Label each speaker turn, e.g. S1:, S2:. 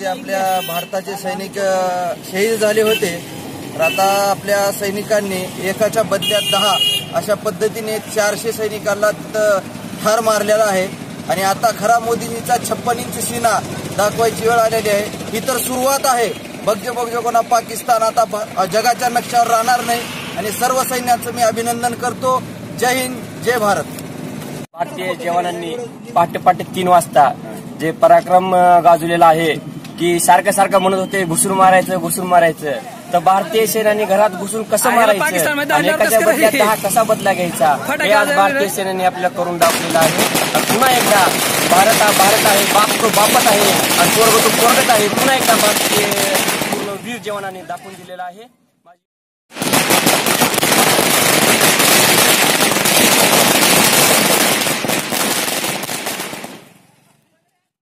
S1: आपल्या भारताचे सैनिक शहीद झाले होते, तर आता आपल्या सैनिकांनी एकाच्या बदल्यात 10 अशा पद्धतीने 400 सैनिकांना ठार मारलेला आहे। आणि आता खरा मोदींचा 56 इंच सीना दाखवायची वेळ आलेली आहे। ही तर सुरुवात आहे। बघजो कोणा पाकिस्तान आता जगाच्या नक्षावर राहणार नाही। आणि सर्व सैन्याचं मी अभिनंदन करतो। जय हिंद, जय भारत।
S2: भारतीय जवानांनी पहाटे 3 वाजता जे पराक्रम गाजवलेला आहे की सारखं म्हणत होते घुसून मारायचं, तर भारतीय सैन्याने घरात घुसून कसं मारायचं आणि एकाच्या बदल्यात 10 कसा बदला घ्यायचा हे आज भारतीय सैन्याने आपल्याला करून दाखवलेलं आहे। पुन्हा एकदा भारत आहे, बाप तो बापच आहे आणि स्वर्ग तो स्वर्गच आहे। पुन्हा एकदा भारतीय पूर्ण वीर जवानांनी दाखवून दिलेला आहे।